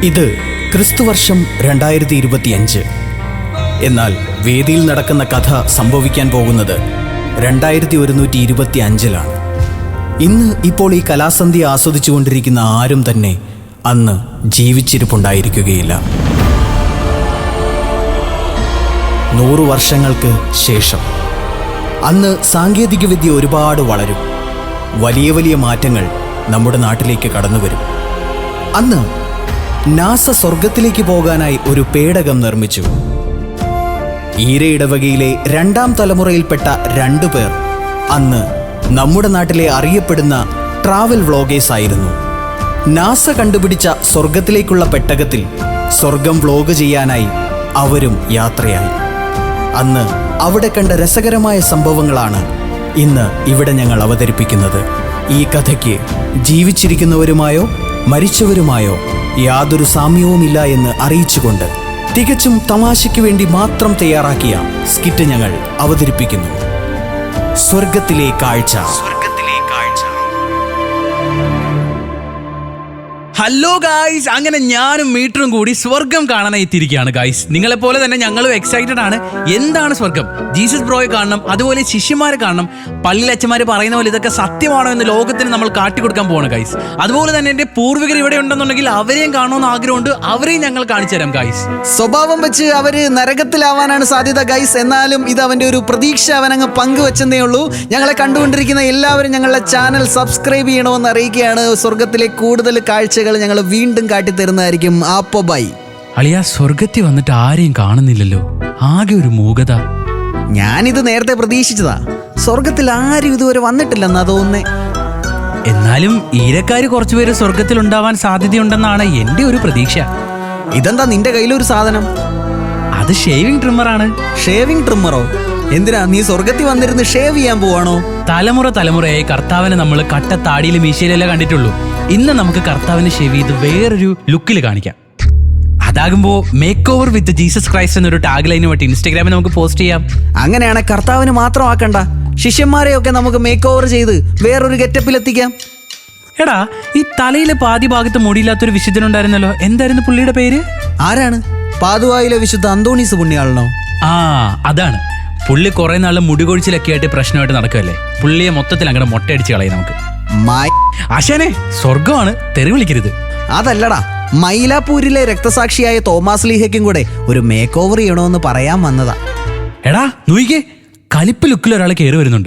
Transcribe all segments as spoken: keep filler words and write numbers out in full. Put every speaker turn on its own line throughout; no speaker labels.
ഇത് ക്രിസ്തുവർഷം രണ്ടായിരത്തി ഇരുപത്തിയഞ്ച്. എന്നാൽ വേദിയിൽ നടക്കുന്ന കഥ സംഭവിക്കാൻ പോകുന്നത് രണ്ടായിരത്തി ഒരുന്നൂറ്റി ഇരുപത്തി അഞ്ചിലാണ്. ഇന്ന് ഇപ്പോൾ ഈ കലാസന്ധ്യ ആസ്വദിച്ചുകൊണ്ടിരിക്കുന്ന ആരും തന്നെ അന്ന് ജീവിച്ചിരിപ്പുണ്ടായിരിക്കുകയില്ല. നൂറു വർഷങ്ങൾക്ക് ശേഷം അന്ന് സാങ്കേതികവിദ്യ ഒരുപാട് വളരും. വലിയ വലിയ മാറ്റങ്ങൾ നമ്മുടെ നാട്ടിലേക്ക് കടന്നു വരും. അന്ന് നാസ സ്വർഗത്തിലേക്ക് പോകാനായി ഒരു പേടകം നിർമ്മിച്ചു. ഈര ഇടവകയിലെ രണ്ടാം തലമുറയിൽപ്പെട്ട രണ്ടു പേർ അന്ന് നമ്മുടെ നാട്ടിലെ അറിയപ്പെടുന്ന ട്രാവൽ വ്ളോഗേഴ്സ് ആയിരുന്നു. നാസ കണ്ടുപിടിച്ച സ്വർഗത്തിലേക്കുള്ള പെട്ടകത്തിൽ സ്വർഗം വ്ളോഗ് ചെയ്യാനായി അവരും യാത്രയായി. അന്ന് അവിടെ കണ്ട രസകരമായ സംഭവങ്ങളാണ് ഇന്ന് ഇവിടെ ഞങ്ങൾ അവതരിപ്പിക്കുന്നത്. ഈ കഥയ്ക്ക് ജീവിച്ചിരിക്കുന്നവരുമായോ മരിച്ചവരുമായോ യാതൊരു സാമ്യവുമില്ല എന്ന് അറിയിച്ചുകൊണ്ട് തികച്ചും തമാശയ്ക്ക് വേണ്ടി മാത്രം തയ്യാറാക്കിയ സ്കിറ്റ് ഞങ്ങൾ അവതരിപ്പിക്കുന്നു. സ്വർഗത്തിലെ കാഴ്ച.
ഹലോ ഗായ്സ്, അങ്ങനെ ഞാനും മീറ്ററും കൂടി സ്വർഗം കാണാനായി എത്തിയിരിക്കുകയാണ് ഗായ്സ്. നിങ്ങളെപ്പോലെ തന്നെ ഞങ്ങളും എക്സൈറ്റഡ് ആണ്. എന്താണ് സ്വർഗം? ജീസസ് ബ്രോയെ കാണണം, അതുപോലെ ശിഷ്യന്മാരെ കാണണം. പള്ളിയിലച്ചന്മാർ പറയുന്ന പോലെ ഇതൊക്കെ സത്യമാണോ എന്ന് ലോകത്തിന് നമ്മൾ കാട്ടിക്കൊടുക്കാൻ പോവാണ് ഗായ്സ്. അതുപോലെ തന്നെ എൻ്റെ പൂർവികർ ഇവിടെ ഉണ്ടെന്നുണ്ടെങ്കിൽ അവരെയും കാണണമെന്ന് ആഗ്രഹമുണ്ട്. അവരെയും ഞങ്ങൾ കാണിച്ചു തരാം ഗായ്സ്.
സ്വഭാവം വെച്ച് അവര് നരകത്തിലാവാനാണ് സാധ്യത ഗൈസ്. എന്നാലും ഇത് അവന്റെ ഒരു പ്രതീക്ഷ അവനങ്ങ് പങ്കുവെച്ചെന്നേ ഉള്ളൂ. ഞങ്ങളെ കണ്ടുകൊണ്ടിരിക്കുന്ന എല്ലാവരും ഞങ്ങളുടെ ചാനൽ സബ്സ്ക്രൈബ് ചെയ്യണമെന്ന് അറിയിക്കുകയാണ്. സ്വർഗത്തിലെ കൂടുതൽ കാഴ്ചകൾ ഞങ്ങൾ വീണ്ടും കാട്ടിത്തരുന്നതായിരിക്കും. ആപ്പോ ബൈ.
അളിയ, സ്വർഗത്തിൽ വന്നിട്ട് ആരെയും കാണുന്നില്ലല്ലോ, ആകെ ഒരു മൂകത.
ഞാനിത് നേരത്തെ പ്രതീക്ഷിച്ചതാ. സ്വർഗത്തിൽ ആരും ഇതുവരെ വന്നിട്ടില്ലെന്നാ തോന്നുന്നേ.
എന്നാലും ഈരക്കാര് കുറച്ചുപേര് സ്വർഗത്തിൽ ഉണ്ടാവാൻ സാധ്യതയുണ്ടെന്നാണ് എന്റെ ഒരു പ്രതീക്ഷ.
ഇതെന്താ നിന്റെ കയ്യിലൊരു സാധനം?
അത് ഷേവിംഗ് ട്രിമ്മറാണ്.
ഷേവിംഗ് ട്രിമ്മറോ? എന്തിനാ നീ സ്വർഗത്തിൽ വന്നിരുന്ന് ഷേവ് ചെയ്യാൻ പോവാണോ?
തലമുറ തലമുറയായി കർത്താവിനെ നമ്മൾ കട്ട താടിയിലും മീശയിലല്ലേ കണ്ടിട്ടുള്ളൂ. ഇന്ന് നമുക്ക് കർത്താവിനെ ഷേവ് ചെയ്ത് വേറൊരു ലുക്കിൽ കാണിക്കാം. അതാകുമ്പോ make over with Jesus Christ എന്നൊരു ടാഗ് ലൈനുമായിട്ട് ഇൻസ്റ്റാഗ്രാമിൽ നമുക്ക് പോസ്റ്റ് ചെയ്യാം.
അങ്ങനെയാണ് കർത്താവിന് മാത്രം ആക്കണ്ട, ശിഷ്യന്മാരെയൊക്കെ നമുക്ക് മേക്ക് ഓവർ ചെയ്ത് വേറൊരു ഗെറ്റപ്പിൽ എത്തിക്കാം.
എടാ, ഈ തലയിലെ പാതി ഭാഗത്ത് മുടിയില്ലാത്തൊരു വിശുദ്ധനുണ്ടായിരുന്നല്ലോ, എന്തായിരുന്നു പുള്ളിയുടെ പേര്?
ആരാണ്? പാതുവായിലെ വിശുദ്ധ അന്തോണീസ് പുണ്യാളനോ?
ആ, അതാണ്. പുള്ളി കുറെ നാള് മുടികൊഴിച്ചിലൊക്കെ ആയിട്ട് പ്രശ്നമായിട്ട് നടക്കുമല്ലേ. പുള്ളിയെ മൊത്തത്തിൽ അങ്ങനെ മൊട്ടയടിച്ച് കളയും നമുക്ക്. ആശാനെ, സ്വർഗമാണ്, തെറി വിളിക്കരുത്.
അതല്ലടാ, മൈലാപ്പൂരിലെ രക്തസാക്ഷിയായ തോമാസ് ലീഹയ്ക്കും കൂടെ ഒരു മേക്ക് ഓവർ ചെയ്യണമെന്ന് പറയാൻ വന്നതാ.
എടാ നോയിക്കേ, കലിപ്പ് ലുക്കിൽ ഒരാൾ കയറി വരുന്നുണ്ട്.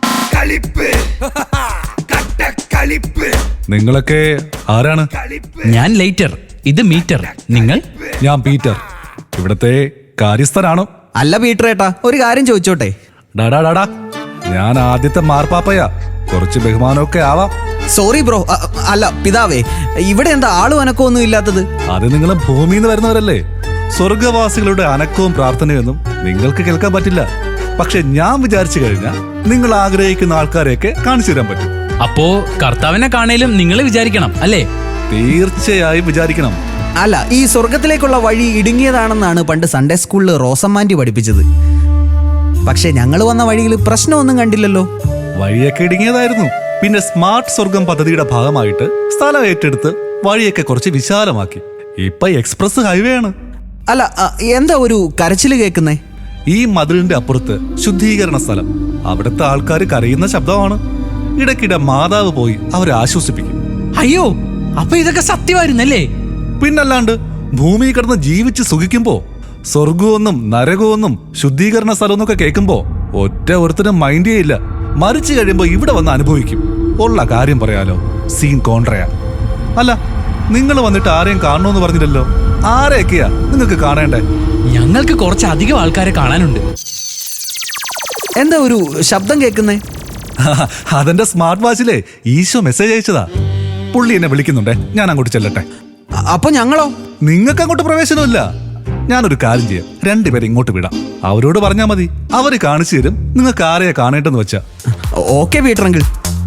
നിങ്ങളൊക്കെ ആരാണ്?
ഞാൻ ലൈറ്റർ, ഇത് മീറ്റർ. നിങ്ങൾ?
ഞാൻ പീറ്റർ, ഇവിടത്തെ കാര്യസ്ഥനാണോ?
അല്ല പീറ്റർ ഏട്ടാ, ഒരു കാര്യം ചോദിച്ചോട്ടെ?
ഡാടാ ഡാടാ, ഞാൻ ആദ്യത്തെ മാർപ്പാപ്പയാ, കുറച്ച് ബഹുമാനമൊക്കെ ആവാം.
Sorry bro. അല്ല പിതാവേ, ഇവിടെ എന്താ ആളും അനക്കമൊന്നും ഇല്ലാത്തത്?
അത് നിങ്ങൾ ഭൂമിയിൽ നിന്ന് വരുന്നവരല്ലേ. സ്വർഗവാസികളുടെ അനക്കവും പ്രാർത്ഥനയൊന്നും നിങ്ങൾക്ക് കേൾക്കാൻ പറ്റില്ല. പക്ഷെ ഞാൻ വിചാരിച്ചു കഴിഞ്ഞാൽ നിങ്ങൾ ആഗ്രഹിക്കുന്ന ആൾക്കാരെയൊക്കെ കാണിച്ചു തരാൻ പറ്റും.
അപ്പോ കർത്താവിനെ കാണേലും നിങ്ങൾ വിചാരിക്കണം അല്ലേ?
തീർച്ചയായും വിചാരിക്കണം.
അല്ല, ഈ സ്വർഗത്തിലേക്കുള്ള വഴി ഇടുങ്ങിയതാണെന്നാണ് പണ്ട് സൺഡേ സ്കൂളിൽ റോസമ്മാൻറ്റി പഠിപ്പിച്ചത്. പക്ഷെ ഞങ്ങൾ വന്ന വഴിയിൽ പ്രശ്നമൊന്നും കണ്ടില്ലല്ലോ.
വഴിയൊക്കെ ഇടുങ്ങിയതായിരുന്നു. പിന്നെ സ്മാർട്ട് സ്വർഗം പദ്ധതിയുടെ ഭാഗമായിട്ട് സ്ഥലം ഏറ്റെടുത്ത് വഴിയൊക്കെ കുറച്ച് വിശാലമാക്കി. ഇപ്പൊ എക്സ്പ്രസ് ഹൈവേ ആണ്.
അല്ല, എന്താ ഒരു കരച്ചില് കേൾക്കുന്നേ?
ഈ മതിലിന്റെ അപ്പുറത്ത് ശുദ്ധീകരണ സ്ഥലം. അവിടുത്തെ ആൾക്കാർ കരയുന്ന ശബ്ദമാണ്. ഇടയ്ക്കിടെ മാതാവ് പോയി അവരെ ആശ്വസിപ്പിക്കും.
അയ്യോ, അപ്പൊ ഇതൊക്കെ സത്യമായിരുന്നല്ലേ?
പിന്നല്ലാണ്ട്, ഭൂമി കിടന്ന് ജീവിച്ച് സുഖിക്കുമ്പോ സ്വർഗമെന്നും നരകമെന്നും ശുദ്ധീകരണ സ്ഥലമെന്നൊക്കെ കേൾക്കുമ്പോ ഒറ്റ ഒരുത്തരും മൈൻഡ് ചെയ്യില്ല. മരിച്ചു കഴിയുമ്പോ ഇവിടെ വന്ന് അനുഭവിക്കും. ഉള്ള കാര്യം പറയാലോ, സീൻ കോൺട്രയാ. അല്ല, നിങ്ങൾ വന്നിട്ട് ആരെയും കാണണമെന്ന് പറഞ്ഞില്ലല്ലോ. ആരെയൊക്കെയാ നിങ്ങൾക്ക് കാണേണ്ടേ?
ഞങ്ങൾക്ക് കുറച്ച് അധികം ആൾക്കാരെ കാണാനുണ്ട്.
എന്താ ഒരു ശബ്ദം കേൾക്കുന്നേ?
അതെന്റെ സ്മാർട്ട് വാച്ചിലെ ഈശോ മെസ്സേജ് അയച്ചതാ. പുള്ളി എന്നെ വിളിക്കുന്നുണ്ടേ, ഞാൻ അങ്ങോട്ട് ചെല്ലട്ടെ.
അപ്പൊ ഞങ്ങളോ?
നിങ്ങൾക്ക് അങ്ങോട്ട് പ്രവേശനമില്ല. ഞാനൊരു കാര്യം ചെയ്യാം, രണ്ടുപേരെ ഇങ്ങോട്ട് വിടാം. അവരോട് പറഞ്ഞാൽ മതി, അവര് കാണിച്ചു തരും നിങ്ങൾക്ക് ആരെയാ കാണേണ്ടെന്ന് വെച്ചാ.
Okay Peter uncle.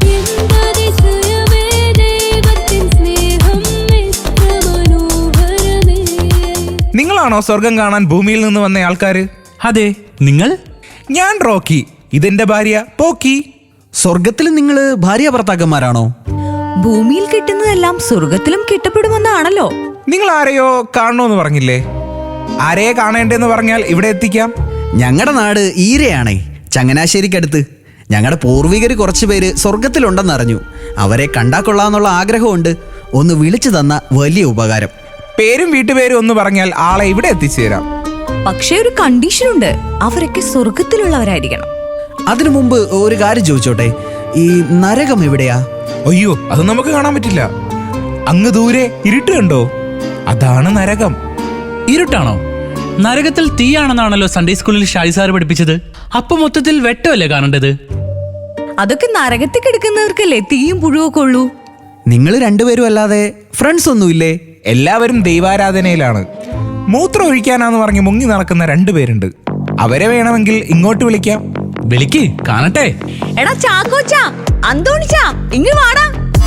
നിങ്ങളാണോ സ്വർഗം കാണാൻ ഭൂമിയിൽ നിന്ന് വന്ന ആൾക്കാര്?
അതെ. നിങ്ങൾ?
ഞാൻ റോക്കി, ഇതെന്റെ ഭാര്യ പോക്കി.
സ്വർഗത്തിൽ നിങ്ങൾ ഭാര്യ ഭർത്താക്കന്മാരാണോ?
ഭൂമിയിൽ കിട്ടുന്നതെല്ലാം സ്വർഗത്തിലും കിട്ടപ്പെടുമെന്നാണല്ലോ.
നിങ്ങൾ ആരെയോ കാണണമെന്ന് പറഞ്ഞില്ലേ? ആരെയെ കാണേണ്ടെന്ന് പറഞ്ഞാൽ ഇവിടെ എത്തിക്കാം.
ഞങ്ങളുടെ നാട് ഈരയാണേ, ചങ്ങനാശ്ശേരിക്കടുത്ത്. ഞങ്ങളുടെ പൂർവികർ കുറച്ചു പേര് സ്വർഗത്തിലുണ്ടെന്നറിഞ്ഞു. അവരെ കണ്ടാ കൊള്ളാന്നുള്ള ആഗ്രഹമുണ്ട്. ഒന്ന് വിളിച്ചു തന്ന വലിയ ഉപകാരം.
പേരും വീട്ടുപേരും ഒന്ന് പറഞ്ഞാൽ ആളെ ഇവിടെ എത്തിച്ചേരാം.
പക്ഷേ ഒരു കണ്ടീഷൻ ഉണ്ട്, അവരൊക്കെ സ്വർഗത്തിലുള്ളവരായിരിക്കണം.
അതിനു മുമ്പ് ഒരു കാര്യം ചോദിച്ചോട്ടെ, ഈ നരകം എവിടെയാ?
അയ്യോ, അത് നമുക്ക് കാണാൻ പറ്റില്ല. അങ്ങ് ദൂരെ ഇരുട്ട് കണ്ടോ? അതാണ് നരകം.
ഇരുട്ടാണോ? നരകത്തിൽ തീയാണെന്നാണല്ലോ സൺഡേ സ്കൂളിൽ ഷാജി സാർ പഠിപ്പിച്ചത്. അപ്പൊ മൊത്തത്തിൽ വെട്ടമല്ലേ കാണേണ്ടത്?
അതൊക്കെ നരകത്തിൽ കിടക്കുന്നവർക്കല്ലേ തീയും പുഴുവൊക്കെ ഉള്ളൂ.
നിങ്ങൾ രണ്ടുപേരും അല്ലാതെ ഫ്രണ്ട്സ് ഒന്നുമില്ലേ?
എല്ലാവരും ദൈവാരാധനയിലാണ്. മൂത്രം ഒഴിക്കാനാന്ന് പറഞ്ഞ് മുങ്ങി നടക്കുന്ന രണ്ടുപേരുണ്ട്. അവരെ വേണമെങ്കിൽ ഇങ്ങോട്ട് വിളിക്കാം.
വിളിക്ക്, കാണട്ടെ.
എടാ ചാക്കോച്ചാ, അന്തോണിച്ചാ, ഇങ്ങ് വാടാ.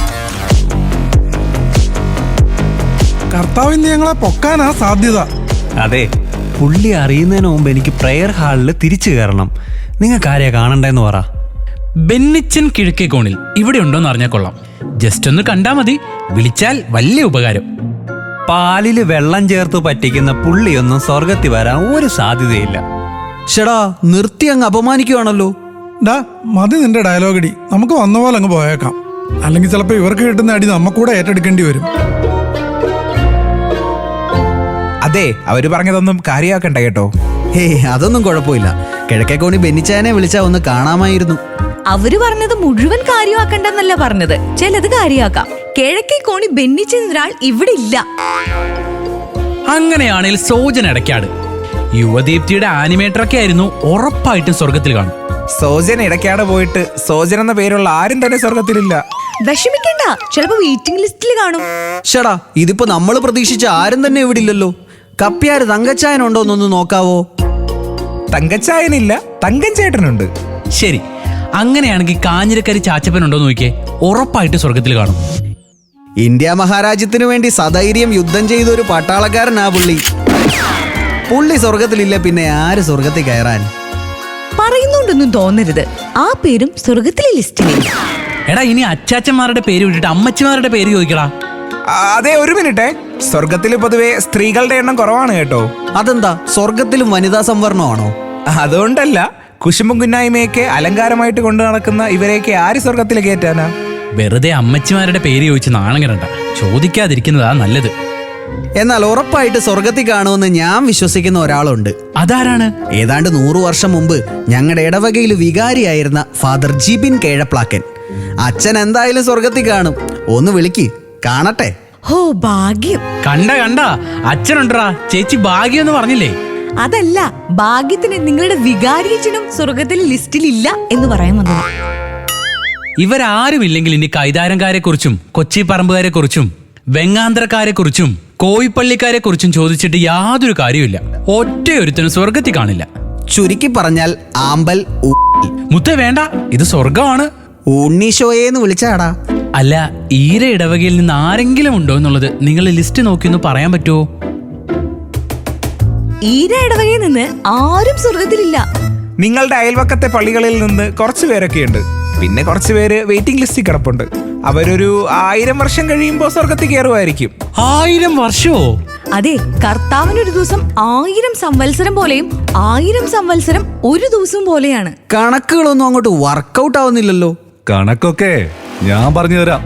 കർത്താവിന് ഞങ്ങളെ പൊക്കാനാ സാധ്യത.
അതെ, പുള്ളി അറിയുന്നതിന് മുമ്പ് എനിക്ക് പ്രെയർ ഹാളിൽ തിരിച്ചു കയറണം. നിങ്ങൾക്ക് ആരെയാ കാണണ്ടെന്ന് പറ.
ബെന്നിച്ചൻ കിഴക്കേ കോണിൽ ഇവിടെ ഉണ്ടോന്ന് അറിഞ്ഞാൽ കൊള്ളാം. ജസ്റ്റ് ഒന്ന് കണ്ടാ മതി. വിളിച്ചാൽ വലിയ ഉപകാരം.
പാലില് വെള്ളം ചേർത്ത് പറ്റിക്കുന്ന പുള്ളിയൊന്നും സ്വർഗത്തിൽ വരാൻ ഒരു സാധ്യതയില്ല.
ഷെടാ, നിർത്തി അങ്ങ് അപമാനിക്കുവാണല്ലോ.
ഡാ മതി നിന്റെ ഡയലോഗടി, നമുക്ക് വന്ന പോലെ അങ്ങ് പോയേക്കാം. അല്ലെങ്കിൽ ചിലപ്പോൾ ഇവർക്ക് കിട്ടുന്ന അടി നമ്മക്കൂടെ ഏറ്റെടുക്കേണ്ടി വരും.
അതെ, അവര് പറഞ്ഞതൊന്നും കാര്യമാക്കണ്ട കേട്ടോ.
ഹേ, അതൊന്നും കുഴപ്പമില്ല. കിഴക്കേക്കോണി ബെന്നിച്ചാനെ വിളിച്ചാ ഒന്ന് കാണാമായിരുന്നു.
അവര് പറഞ്ഞത് മുഴുവൻ കാര്യമാക്കണ്ടെന്നല്ല പറഞ്ഞത്, ചിലത് കാര്യമാക്കാം. കിഴക്കേ കോണി ബെന്നിച്ചെന്നൊരാൾ ഇവിടെ ഇല്ല.
അങ്ങനെയാണെങ്കിൽ സോജൻ ഇടയ്ക്കാട് യുവദീപ്തിയുടെ ആനിമേറ്ററൊക്കെ ആയിരുന്നു, ഉറപ്പായിട്ടും സ്വർഗത്തിൽ കാണും.
സോജൻ ഇടയ്ക്കാട് പോയിട്ട് സോജൻ എന്ന പേരുള്ള ആരും തന്നെ സ്വർഗത്തിലില്ല.
വിഷമിക്കണ്ട, ചിലപ്പോ വെയിറ്റിംഗ് ലിസ്റ്റിൽ കാണും.
ഷെടാ, ഇതിപ്പോ നമ്മൾ പ്രതീക്ഷിച്ച ആരും തന്നെ ഇവിടെ ഇല്ലല്ലോ. കപ്പ്യാര് തങ്കച്ചായനുണ്ടോ എന്നൊന്ന് നോക്കാവോ?
തങ്കച്ചായനില്ല, തങ്കം ചേട്ടനുണ്ട്.
ശരി, അങ്ങനെയാണെങ്കിൽ കാഞ്ഞിരക്കരി ചാച്ചപ്പനുണ്ടോ നോക്കിയേ, ഉറപ്പായിട്ട് സ്വർഗത്തിൽ കാണും.
ഇന്ത്യ മഹാരാജ്യത്തിനു വേണ്ടി സധൈര്യം യുദ്ധം ചെയ്ത ഒരു പട്ടാളക്കാരനാ പുള്ളി. പുള്ളി സ്വർഗത്തിലില്ല, പിന്നെ ആര് സ്വർഗത്തിൽ കയറാൻ?
പറയുന്നുണ്ടൊന്നും തോന്നരുത്, ആ പേരും സ്വർഗത്തിലെ ലിസ്റ്റിലില്ല.
എടാ, ഇനി അച്ചാച്ചന്മാരുടെ പേര് വിട്ടിട്ട് അമ്മച്ചിമാരുടെ പേര് ചോദിക്കടാ.
ആ, അതെ, ഒരു മിനിറ്റ്. സ്വർഗത്തിൽ പൊതുവെ സ്ത്രീകളുടെ എണ്ണം കുറവാണ് കേട്ടോ.
അതെന്താ, സ്വർഗത്തിലും വനിതാ സംവരണമാണോ?
അതുകൊണ്ടല്ല, കുശുമ്പും കുന്നായ്മയൊക്കെ അലങ്കാരമായിട്ട് കൊണ്ടു നടക്കുന്ന ഇവരെയൊക്കെ ആര് സ്വർഗത്തിൽ കയറ്റാനാ?
വെറുതെ അമ്മച്ചിമാരുടെ പേര് ചോദിച്ച് നാണം കിടണ്ട. ചോദിക്കാതിരിക്കുന്നതാ നല്ലത്.
എന്നാൽ ഉറപ്പായിട്ട് സ്വർഗത്തിൽ കാണുമെന്ന് ഞാൻ വിശ്വസിക്കുന്ന ഒരാളുണ്ട്.
അതാരാണ്?
ഏതാണ്ട് നൂറു വർഷം മുമ്പ് ഞങ്ങളുടെ ഇടവകയിൽ വികാരിയായിരുന്ന ഫാദർ ജിബിൻ കേഴപ്ലാക്കൻ. അച്ഛൻ എന്തായാലും സ്വർഗത്തിൽ കാണും. ഒന്ന് വിളിക്ക്, കാണട്ടെ.
ഹോ, ഭാഗ്യം.
കണ്ട കണ്ട അച്ഛനുണ്ടറാ. ചേച്ചി ഭാഗ്യം എന്ന് പറഞ്ഞില്ലേ?
അതല്ല, ഭാഗ്യത്തിന് നിങ്ങളുടെ വികാരിയച്ഛനും സ്വർഗത്തിലെ ലിസ്റ്റിലില്ല എന്ന് പറയാൻ വന്നത്.
ഇവരാരും ഇല്ലെങ്കിൽ ഇനി കൈതാരംകാരെ കുറിച്ചും കൊച്ചി പറമ്പുകാരെ കുറിച്ചും വെങ്ങാന്തരക്കാരെ കുറിച്ചും കോയിപ്പള്ളിക്കാരെ കുറിച്ചും ചോദിച്ചിട്ട് യാതൊരു കാര്യമില്ല. ഒറ്റയൊരുത്തനും സ്വർഗത്തിൽ കാണില്ല.
ചുരുക്കി പറഞ്ഞാൽ ആമ്പൽ ഉ-
മുത്ത വേണ്ട, ഇത് സ്വർഗമാണ്.
ഉണ്ണീശോയേന്ന് വിളിച്ചാടാ.
അല്ല, ഈര ഇടവകയിൽ നിന്ന് ആരെങ്കിലും ഉണ്ടോ എന്നുള്ളത് നിങ്ങൾ ലിസ്റ്റ് നോക്കി ഒന്ന് പറയാൻ പറ്റുമോ?
ഈര ഇടവകയിൽ നിന്ന് ആരും സ്വർഗത്തിലില്ല.
നിങ്ങളുടെ അയൽവക്കത്തെ പള്ളികളിൽ നിന്ന് കുറച്ചു പേരൊക്കെ ഉണ്ട്. പിന്നെ കുറച്ചു പേര് വെയിറ്റിംഗ് ലിസ്റ്റിൽ കിടപ്പുണ്ട്. അവരൊരു ആയിരം വർഷം കഴിയുമ്പോൾ സ്വർഗത്തിൽ കയറുമായിരിക്കും.
ആയിരം വർഷമോ?
അതെ, കർത്താവിനൊരു ദിവസം ആയിരം സംവത്സരം പോലെയും ആയിരം സംവത്സരം ഒരു ദിവസം പോലെയാണ്.
കണക്കുകളൊന്നും അങ്ങോട്ട് വർക്കൗട്ട് ആവുന്നില്ലല്ലോ.
കണക്കൊക്കെ ഞാൻ പറഞ്ഞു തരാം.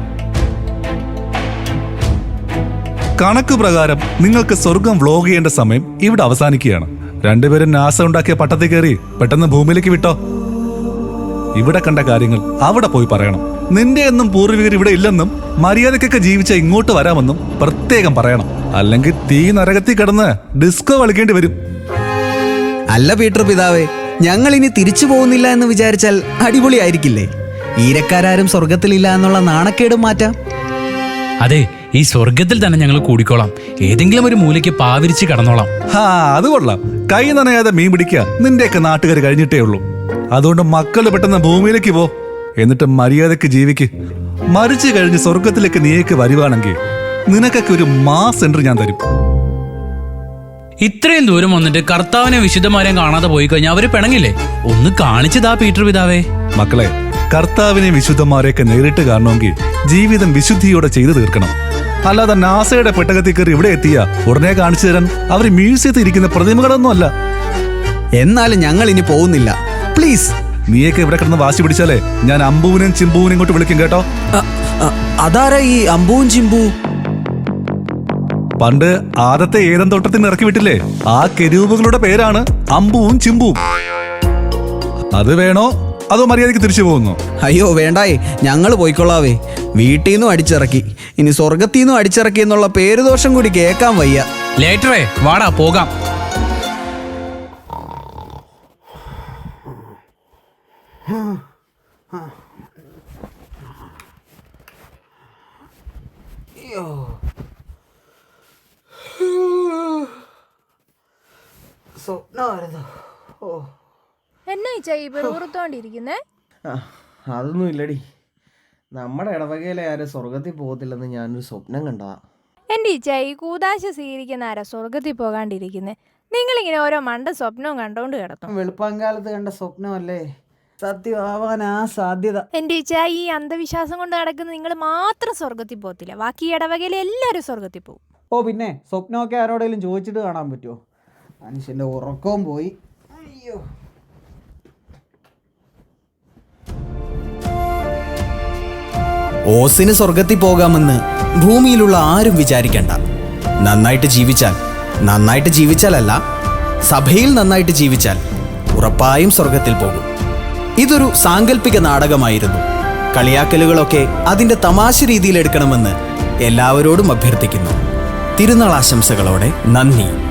കണക്ക് പ്രകാരം നിങ്ങൾക്ക് സ്വർഗം വ്ലോഗ് ചെയ്യേണ്ട സമയം ഇവിടെ അവസാനിക്കുകയാണ്. രണ്ടുപേരും നാസ ഉണ്ടാക്കിയ പട്ടത്തിൽ കയറി പെട്ടെന്ന് ഭൂമിയിലേക്ക് വിട്ടോ. ഇവിടെ കണ്ട കാര്യങ്ങൾ അവിടെ പോയി പറയണം. നിന്റെ എന്നും പൂർവികർ ഇവിടെ ഇല്ലെന്നും മര്യാദക്കൊക്കെ ജീവിച്ച ഇങ്ങോട്ട് വരാമെന്നും പ്രത്യേകം പറയണം. അല്ലെങ്കിൽ തീ നരകത്തിൽ കിടന്ന് ഡിസ്കോ കളിക്കേണ്ടി വരും.
അല്ല പീറ്റർ പിതാവേ, ഞങ്ങൾ ഇനി തിരിച്ചു പോകുന്നില്ല എന്ന് വിചാരിച്ചാൽ അടിപൊളിയായിരിക്കില്ലേ? ഈരക്കാരും സ്വർഗത്തിലില്ല എന്നുള്ള നാണക്കേടും മാറ്റാം.
അതെ, ഈ സ്വർഗത്തിൽ തന്നെ ഞങ്ങൾ കൂടിക്കോളാം. ഏതെങ്കിലും ഒരു മൂലയ്ക്ക് പാവിരിച്ച് കടന്നോളാം.
ഹാ, അത് കൊള്ളാം. കൈ നനയാതെ മീൻ പിടിക്കുക നിന്റെയൊക്കെ നാട്ടുകാർ കഴിഞ്ഞിട്ടേ ഉള്ളൂ. അതുകൊണ്ട് മക്കള് പെട്ടെന്ന് ഭൂമിയിലേക്ക് പോ, എന്നിട്ട് മര്യാദക്ക് ജീവിക്ക്. മരിച്ചു കഴിഞ്ഞ് സ്വർഗത്തിലേക്ക് നീയൊക്കെ വരുവാണെങ്കിൽ നിനക്കൊക്കെ ഒരു മാസ് എൻട്രി ഞാൻ തരും.
ഇത്രയും ദൂരം വന്നിട്ട് കർത്താവിനെ വിശുദ്ധമാരെയും കാണാതെ പോയി കഴിഞ്ഞാൽ അവര് പിണങ്ങില്ലേ? ഒന്ന് കാണിച്ചതാ പീറ്റർ പിതാവേ.
മക്കളെ, കർത്താവിനെ വിശുദ്ധന്മാരെയൊക്കെ നേരിട്ട് കാണണമെങ്കിൽ ജീവിതം വിശുദ്ധിയോടെ ചെയ്തു തീർക്കണം. അല്ലാതെ നാസയുടെ പെട്ടകത്തിൽ കയറി ഇവിടെ എത്തിയ ഉടനെ കാണിച്ചു തരാൻ അവർ മ്യൂസിയത്തിൽ ഇരിക്കുന്ന പ്രതിമകളൊന്നും അല്ല.
എന്നാലും ഞങ്ങൾ ഇനി പോകുന്നില്ല, പ്ലീസ്.
നീയൊക്കെ ഇവിടെ കിടന്ന് വാശി പിടിച്ചാലേ ഞാൻ അമ്പുവിനെയും ചിമ്പുവിനെയും ഇങ്ങോട്ട് വിളിക്കും കേട്ടോ.
അതാരാ ഈ അമ്പുവും ചിമ്പു?
പണ്ട് ആദത്തെ ഏതൻ തോട്ടത്തിന് ഇറക്കി വിട്ടില്ലേ, ആ കെരൂബുകളുടെ പേരാണ് അമ്പുവും ചിമ്പുവും. അത് വേണോ അതോ മര്യാദയ്ക്ക് തിരിച്ചു പോകുന്നു?
അയ്യോ വേണ്ടായേ, ഞങ്ങൾ പോയിക്കൊള്ളാവേ. വീട്ടിൽ നിന്നും അടിച്ചിറക്കി, ഇനി സ്വർഗത്തിൽ നിന്നും അടിച്ചിറക്കി എന്നുള്ള പേരുദോഷം കൂടി കേൾക്കാൻ വയ്യ.
ലേറ്ററേ വാടാ പോകാം.
എന്നാ ഈ വെറുത്തോണ്ടിരിക്കുന്നേ?
അതൊന്നും ഇല്ലടി, നമ്മുടെ ഇടവകയിലെ ആരും സ്വർഗത്തിൽ പോകത്തില്ലെന്ന് ഞാനൊരു സ്വപ്നം കണ്ടതാ.
എൻ്റെ ഈച്ച ഈ കൂതാശ സ്വീകരിക്കുന്ന ആരാ സ്വർഗത്തിൽ പോകാണ്ടിരിക്കുന്നേ? നിങ്ങളിങ്ങനെ ഓരോ മണ്ട സ്വപ്നവും കണ്ടോണ്ട് കിടത്തും.
വെളുപ്പാങ്കാലത്ത് കണ്ട സ്വപ്നമല്ലേ സത്യമാവാനാ സാധ്യത.
എൻ്റെ ഈച്ച ഈ അന്ധവിശ്വാസം കൊണ്ട് നടക്കുന്ന നിങ്ങൾ മാത്രം സ്വർഗത്തിൽ പോകത്തില്ല, ബാക്കി ഇടവകയിലെ എല്ലാവരും സ്വർഗത്തിൽ പോകും.
ഓ പിന്നെ സ്വപ്നമൊക്കെ ആരോടെങ്കിലും ചോദിച്ചിട്ട് കാണാൻ പറ്റുമോ? മനുഷ്യന്റെ ഉറക്കവും പോയി. അയ്യോ, ഓസിന് സ്വർഗത്തിൽ പോകാമെന്ന് ഭൂമിയിലുള്ള ആരും വിചാരിക്കണ്ട. നന്നായിട്ട് ജീവിച്ചാൽ, നന്നായിട്ട് ജീവിച്ചാലല്ല സഭയിൽ നന്നായിട്ട് ജീവിച്ചാൽ ഉറപ്പായും സ്വർഗത്തിൽ പോകും. ഇതൊരു സാങ്കല്പിക നാടകമായിരുന്നു. കളിയാക്കലുകളൊക്കെ അതിൻ്റെ തമാശ രീതിയിൽ എടുക്കണമെന്ന് എല്ലാവരോടും അഭ്യർത്ഥിക്കുന്നു. തിരുനാൾ ആശംസകളോടെ നന്ദി.